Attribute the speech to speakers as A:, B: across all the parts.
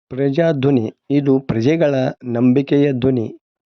A: ಪ್ರಜಾಧ್ವನಿ ಇದು ಪ್ರಜೆಗಳ ನಂಬಿಕೆಯ ಧ್ವನಿ.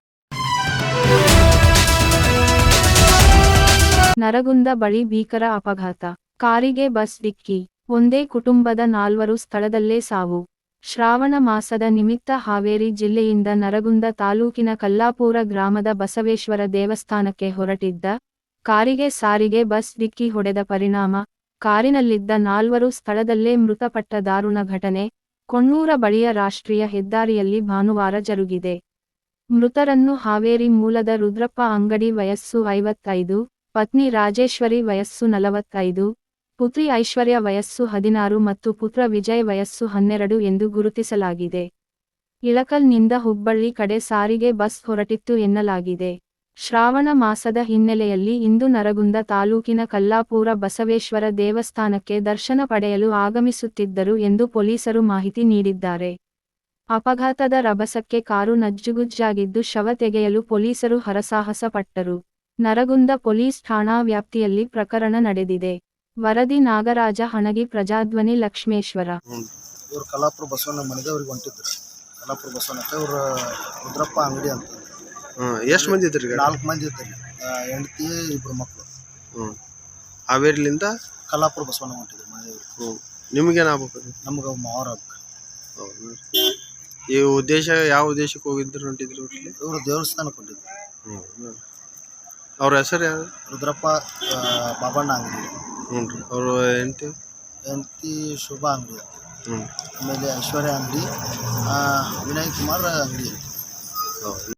B: ನರಗುಂದ ಬಳಿ ಭೀಕರ ಅಪಘಾತ. ಕಾರಿಗೆ ಬಸ್ ಡಿಕ್ಕಿ. ಒಂದೇ ಕುಟುಂಬದ 4 ಸ್ಥಳದಲ್ಲೇ ಸಾವು. ಶ್ರಾವಣ ಮಾಸದ ನಿಮಿತ್ತ ಹಾವೇರಿ ಜಿಲ್ಲೆಯಿಂದ ನರಗುಂದ ತಾಲೂಕಿನ ಕಲ್ಲಾಪುರ ಗ್ರಾಮದ ಬಸವೇಶ್ವರ ದೇವಸ್ಥಾನಕ್ಕೆ ಹೊರಟಿದ್ದ ಕಾರಿಗೆ ಸಾರಿಗೆ ಬಸ್ ಡಿಕ್ಕಿ ಹೊಡೆದ ಪರಿಣಾಮ ಕಾರಿನಲ್ಲಿದ್ದ 4 ಸ್ಥಳದಲ್ಲೇ ಮೃತಪಟ್ಟ ದಾರುಣ ಘಟನೆ ಕೊಣ್ಣೂರ ಬಳಿಯ ರಾಷ್ಟ್ರೀಯ ಹೆದ್ದಾರಿಯಲ್ಲಿ ಭಾನುವಾರ ಜರುಗಿದೆ. ಮೃತರನ್ನು ಹಾವೇರಿ ಮೂಲದ ರುದ್ರಪ್ಪ ಅಂಗಡಿ ವಯಸ್ಸು 55, ಪತ್ನಿ ರಾಜೇಶ್ವರಿ ವಯಸ್ಸು 45, ಪುತ್ರಿ ಐಶ್ವರ್ಯ ವಯಸ್ಸು 16 ಮತ್ತು ಪುತ್ರ ವಿಜಯ್ ವಯಸ್ಸು 12 ಎಂದು ಗುರುತಿಸಲಾಗಿದೆ. ಇಳಕಲ್ನಿಂದ ಹುಬ್ಬಳ್ಳಿ ಕಡೆ ಸಾರಿಗೆ ಬಸ್ ಹೊರಟಿತ್ತು ಎನ್ನಲಾಗಿದೆ. ಶ್ರಾವಣ ಮಾಸದ ಹಿನ್ನೆಲೆಯಲ್ಲಿ ಇಂದು ನರಗುಂದ ತಾಲೂಕಿನ ಕಲ್ಲಾಪುರ ಬಸವೇಶ್ವರ ದೇವಸ್ಥಾನಕ್ಕೆ ದರ್ಶನ ಪಡೆಯಲು ಆಗಮಿಸುತ್ತಿದ್ದರು ಎಂದು ಪೊಲೀಸರು ಮಾಹಿತಿ ನೀಡಿದ್ದಾರೆ. ಅಪಘಾತದ ರಭಸಕ್ಕೆ ಕಾರು ನಜ್ಜುಗುಜ್ಜಾಗಿದ್ದು ಶವ ತೆಗೆಯಲು ಪೊಲೀಸರು ಹರಸಾಹಸ ಪಟ್ಟರು. ನರಗುಂದ ಪೊಲೀಸ್ ಠಾಣಾ ವ್ಯಾಪ್ತಿಯಲ್ಲಿ ಪ್ರಕರಣ ನಡೆದಿದೆ. ವರದಿ ನಾಗರಾಜ ಹಣಗಿ, ಪ್ರಜಾಧ್ವನಿ, ಲಕ್ಷ್ಮೇಶ್ವರ.
C: ಇವರು ಕಲ್ಲಾಪುರ ಬಸವಣ್ಣ ಮನೆದೇವ್ರಿಗೆ ಹೊಂಟಿದ್ರು. ಕಲ್ಲಾಪುರ ಬಸವಣ್ಣಕ್ಕೆ ಇವರು ರುದ್ರಪ್ಪ ಅಂಗಡಿ ಅಂತ.
D: ಎಷ್ಟು ಮಂದಿ ಇದ್ರಿ?
C: 4 ಮಂದಿ ಇದ್ದರು. ಹೆಂಡತಿ 2 ಮಕ್ಕಳು.
D: ಹಾವೇರಿಲಿಂದ
C: ಕಲ್ಲಾಪುರ ಬಸವಣ್ಣ ಹೊಂಟಿದ್ರು ಮನೆದೇವ್ರಿಗೆ.
D: ನಿಮಗೇನಾಗಬೇಕು? ನಮ್ಗೆ
C: ಮಾವರ ಆಗ್ಬೇಕು.
D: ಈ ಉದ್ದೇಶ ಯಾವ ಉದ್ದೇಶಕ್ಕೆ ಹೋಗಿದ್ರು ಹೊಂಟಿದ್ರು?
C: ಇವರು ದೇವಸ್ಥಾನಕ್ಕೆ ಹೊಂಟಿದ್ರು.
D: ಅವ್ರ ಹೆಸರು ಯಾರು?
C: ರುದ್ರಪ್ಪ ಬಾಬಣ್ಣ ಅಂಗಡಿ.
D: ಹ್ಞೂ ರೀ. ಅವರು
C: ಹೆಂಡತಿ ಶುಭ ಅಂಗಡಿ ಅಂತ. ಆಮೇಲೆ ಐಶ್ವರ್ಯ ಅಂಗಡಿ, ವಿನಯ್ ಕುಮಾರ್ ಅಂಗಡಿ.